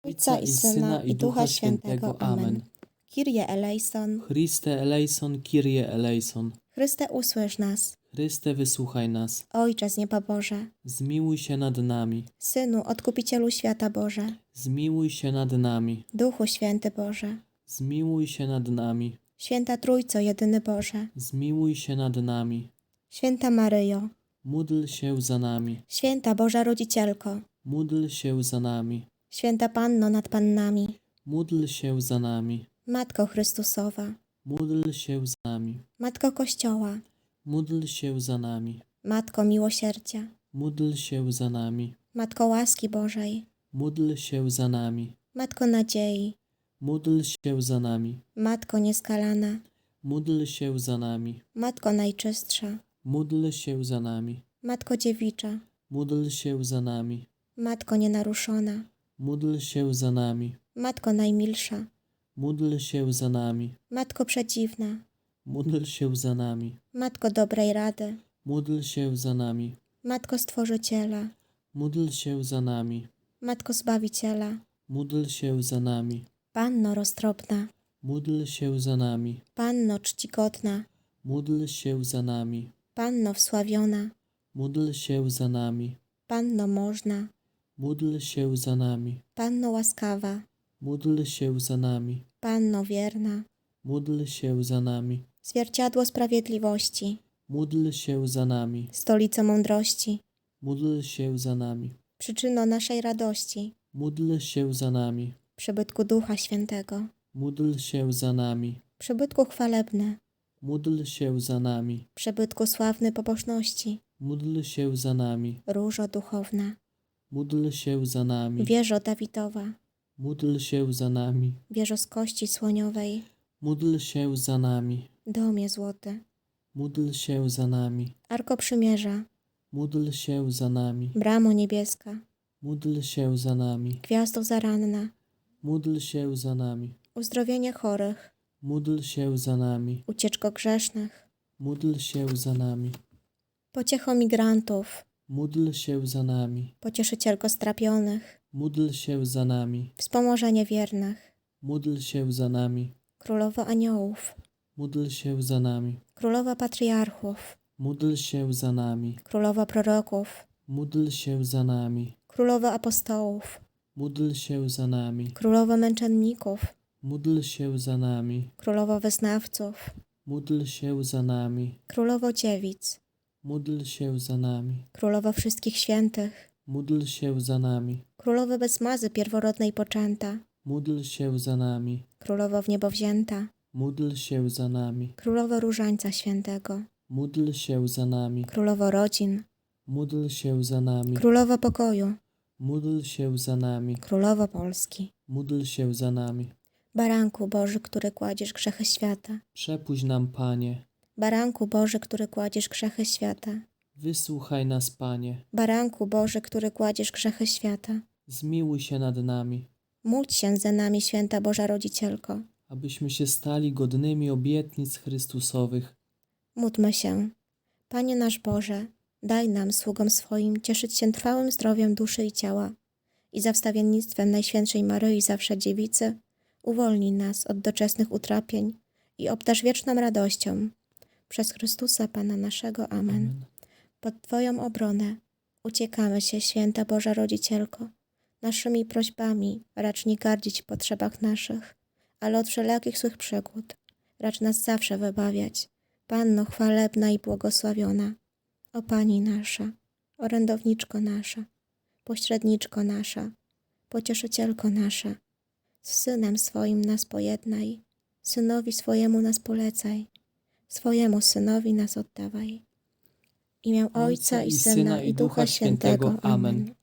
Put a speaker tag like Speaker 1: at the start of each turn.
Speaker 1: Ojca i Syna i Ducha Świętego. Amen.
Speaker 2: Kyrie eleison,
Speaker 1: Chryste eleison, Kyrie eleison.
Speaker 2: Chryste usłysz nas.
Speaker 1: Chryste wysłuchaj nas.
Speaker 2: Ojcze z nieba Boże,
Speaker 1: Zmiłuj się nad nami.
Speaker 2: Synu Odkupicielu świata Boże,
Speaker 1: Zmiłuj się nad nami.
Speaker 2: Duchu Święty Boże,
Speaker 1: Zmiłuj się nad nami.
Speaker 2: Święta Trójco jedyny Boże,
Speaker 1: Zmiłuj się nad nami.
Speaker 2: Święta Maryjo,
Speaker 1: Módl się za nami.
Speaker 2: Święta Boża Rodzicielko,
Speaker 1: Módl się za nami.
Speaker 2: Święta Panno nad Pannami,
Speaker 1: Módl się za nami.
Speaker 2: Matko Chrystusowa,
Speaker 1: Módl się za nami.
Speaker 2: Matko Kościoła,
Speaker 1: Módl się za nami.
Speaker 2: Matko Miłosierdzia,
Speaker 1: Módl się za nami.
Speaker 2: Matko łaski Bożej,
Speaker 1: Módl się za nami.
Speaker 2: Matko nadziei,
Speaker 1: Módl się za nami.
Speaker 2: Matko nieskalana,
Speaker 1: Módl się za nami.
Speaker 2: Matko najczystsza,
Speaker 1: Módl się za nami.
Speaker 2: Matko dziewicza,
Speaker 1: Módl się za nami.
Speaker 2: Matko nienaruszona,
Speaker 1: Módl się za nami.
Speaker 2: Matko najmilsza,
Speaker 1: Módl się za nami.
Speaker 2: Matko przedziwna,
Speaker 1: Módl się za nami.
Speaker 2: Matko dobrej rady,
Speaker 1: Módl się za nami.
Speaker 2: Matko Stworzyciela,
Speaker 1: Módl się za nami.
Speaker 2: Matko Zbawiciela,
Speaker 1: Módl się za nami.
Speaker 2: Panno roztropna,
Speaker 1: Módl się za nami.
Speaker 2: Panno czcigodna,
Speaker 1: Módl się za nami.
Speaker 2: Panno wsławiona,
Speaker 1: Módl się za nami.
Speaker 2: Panno można,
Speaker 1: Módl się za nami.
Speaker 2: Panno łaskawa,
Speaker 1: Módl się za nami.
Speaker 2: Panno wierna,
Speaker 1: Módl się za nami.
Speaker 2: Zwierciadło sprawiedliwości,
Speaker 1: Módl się za nami.
Speaker 2: Stolico mądrości,
Speaker 1: Módl się za nami.
Speaker 2: Przyczyno naszej radości,
Speaker 1: Módl się za nami.
Speaker 2: Przybytku Ducha Świętego,
Speaker 1: Módl się za nami.
Speaker 2: Przybytku chwalebny,
Speaker 1: Módl się za nami.
Speaker 2: Przybytku sławny pobożności,
Speaker 1: Módl się za nami.
Speaker 2: Różo duchowna,
Speaker 1: Módl się za nami.
Speaker 2: Wieżo Dawidowa,
Speaker 1: Módl się za nami.
Speaker 2: Wieżo z kości słoniowej,
Speaker 1: Módl się za nami.
Speaker 2: Domie złoty,
Speaker 1: Módl się za nami.
Speaker 2: Arko Przymierza,
Speaker 1: Módl się za nami.
Speaker 2: Bramo niebieska,
Speaker 1: Módl się za nami.
Speaker 2: Gwiazdo zaranna,
Speaker 1: Módl się za nami.
Speaker 2: Uzdrowienie chorych,
Speaker 1: Módl się za nami.
Speaker 2: Ucieczko grzesznych,
Speaker 1: Módl się za nami.
Speaker 2: Pociecho migrantów,
Speaker 1: Módl się za nami.
Speaker 2: Pocieszycielko strapionych,
Speaker 1: Módl się za nami.
Speaker 2: Wspomożenie wiernych,
Speaker 1: Módl się za nami.
Speaker 2: Królowo aniołów,
Speaker 1: Módl się za nami.
Speaker 2: Królowa patriarchów,
Speaker 1: Módl się za nami.
Speaker 2: Królowa proroków,
Speaker 1: Módl się za nami.
Speaker 2: Królowa apostołów,
Speaker 1: Módl się za nami.
Speaker 2: Królowa męczenników,
Speaker 1: Módl się za nami.
Speaker 2: Królowo wyznawców,
Speaker 1: Módl się za nami.
Speaker 2: Królowo dziewic,
Speaker 1: Módl się za nami.
Speaker 2: Królowo wszystkich świętych,
Speaker 1: Módl się za nami.
Speaker 2: Królowo bez mazy pierworodnej poczęta,
Speaker 1: Módl się za nami.
Speaker 2: Królowo w niebo wzięta,
Speaker 1: Módl się za nami.
Speaker 2: Królowo Różańca Świętego,
Speaker 1: Módl się za nami.
Speaker 2: Królowo rodzin,
Speaker 1: Módl się za nami.
Speaker 2: Królowo pokoju,
Speaker 1: Módl się za nami.
Speaker 2: Królowo Polski,
Speaker 1: Módl się za nami.
Speaker 2: Baranku Boży, który kładziesz grzechy świata,
Speaker 1: Przepuść nam, Panie.
Speaker 2: Baranku Boży, który kładziesz grzechy świata,
Speaker 1: Wysłuchaj nas, Panie.
Speaker 2: Baranku Boży, który kładziesz grzechy świata,
Speaker 1: Zmiłuj się nad nami,
Speaker 2: módl się za nami, Święta Boża Rodzicielko.
Speaker 1: abyśmy się stali godnymi obietnic Chrystusowych.
Speaker 2: Módlmy się. Panie nasz Boże, daj nam, sługom swoim, cieszyć się trwałym zdrowiem duszy i ciała i za wstawiennictwem Najświętszej Maryi Zawsze Dziewicy uwolnij nas od doczesnych utrapień i obdarz wieczną radością. Przez Chrystusa Pana naszego. Amen.
Speaker 1: Amen.
Speaker 2: Pod Twoją obronę uciekamy się, Święta Boża Rodzicielko. Naszymi prośbami racz nie gardzić w potrzebach naszych, ale od wszelakich złych przygód racz nas zawsze wybawiać. Panno chwalebna i błogosławiona, o Pani nasza, orędowniczko nasza, pośredniczko nasza, pocieszycielko nasza, z Synem swoim nas pojednaj, Synowi swojemu nas polecaj, swojemu Synowi nas oddawaj. W imię Ojca i Syna i Ducha Świętego. Amen.